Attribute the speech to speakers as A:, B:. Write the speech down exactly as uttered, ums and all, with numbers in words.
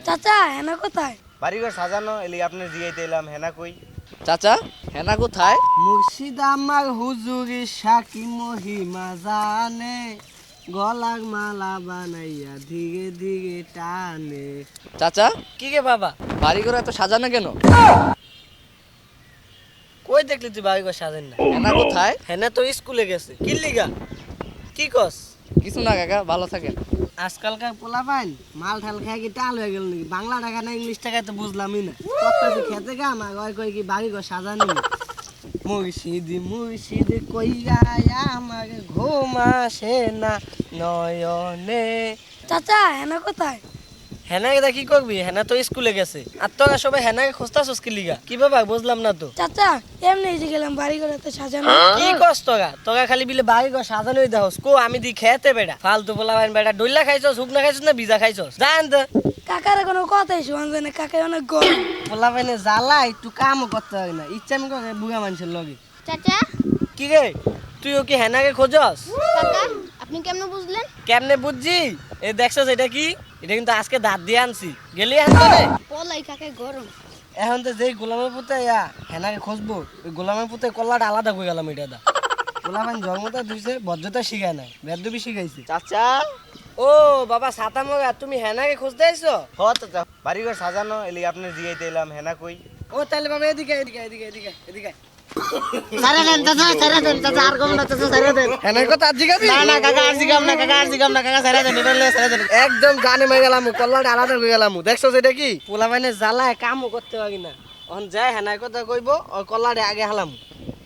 A: চাচা হেনা কোথায়?
B: বাড়িঘর সাজানো এলি আপনার জিয়াইতে এলাম। হেনা কই?
C: চাচা হেনা কোথায়?
D: মুর্শিদ আমার হুজুরি সাকি মহিমা জানে, গলার মালা বানাইয়া ধীরে ধীরে টানে।
C: চাচা
D: কি গে বাবা,
C: বাড়িঘর এত সাজানো কেন?
D: কই দেখলি তুই বাড়ি ঘর সাজেন না?
C: হেনা কোথায়?
D: হেনা তো স্কুলে গেছে। কি লিগা? কি কস?
C: কিছু না কাকা, ভালো থাকেন।
D: আজকালকার পোলা পাইন মাল ঠাল খাই কি টাল হয়ে গেল নাকি? বাংলা টাকা না ইংলিশ টাকায় তো বুঝলামই না। কত কি খেতে গা আমার কয় কয় কি বাড়ি ঘর সাজানি। মুর্শিদ মুর্শিদ কইয়া আমার ঘুম আসে না নয়নে।
A: চাচা হেনা কোথায়?
D: হেনাকে দা কি করবি? হেনা তো স্কুলে গেছে। আর তোরা সবাই হেনাকে খুঁজতাছস কি লিগা? কি বাবা বুঝলাম না তো।
A: চাচা এমনি এসে গেলাম বাড়ি ঘর এত সাজানো।
D: কি কস তোরা? তোরা খালি বিলে বাড়ি ঘর সাজানোই দেহস। কো আমি দি খেতে বেড়া ফালতু পোলা বাইন বেড়া ডইলা খাইছস, শুকনা খাইছস না ভিজা খাইছস? জান তো
A: কাকার কোনো কথাই শোনা যায় না, কাকা অনেক গরম।
D: পোলা বাইনে জ্বালা একটু কামও করতে হয় না, ইচ্ছা আমি করে বুড়া মানুষের লগে।
E: চাচা
D: কি রে তুইও কি হেনাকে খোঁজস?
E: কাকা আপনি কেমনে বুঝলেন?
D: কেমনে বুঝছি? এই দেখছস এটা কি? এটা কিন্তু আজকে দাঁত দিয়ে আনছি। গেলি আনতো রে।
E: পলাই কাকে গরম।
D: এখন তো যেই গোলামের পুতে ইয়া হেনাকে খুঁজবো, ওই গোলামের পুতে কল্লাটা আলাদা করে গেলাম। এটা দা গোলামের জন্মটা দিছে, বজ্রতা শিখায় নাই, বেদবি শিখাইছি।
C: চাচা
D: ও বাবা সাতা মগা, তুমি হেনাকে খুঁজতে আইছো?
B: হ চাচা, বাড়িঘর সাজানো এলি আপনার জিয়াইতে এলাম। হেনা কই?
D: ও তাহলে বাবা এদিকে এদিকে এদিকে এদিকে এদিকে।
F: সারা দেন চাচা, সারা দেন চাচা, আর কম না চাচা, সারা দেন।
D: হেনার কথা আর জিগাবি?
F: না না কাকা, আর জিগাম না কাকা, আর জিগাম না কাকা, সারা দেন, এটা লয়ে সারা দেন।
D: একদম জানে মাই গেলাম, কল্লাটা আলাদা করে গেলাম। দেখছো এটা কি? পোলা বাইনে জ্বালায় কামও করতে পারি না। এখন যাই হেনার কথা কইব, ওই কল্লাটা আগে হালাম।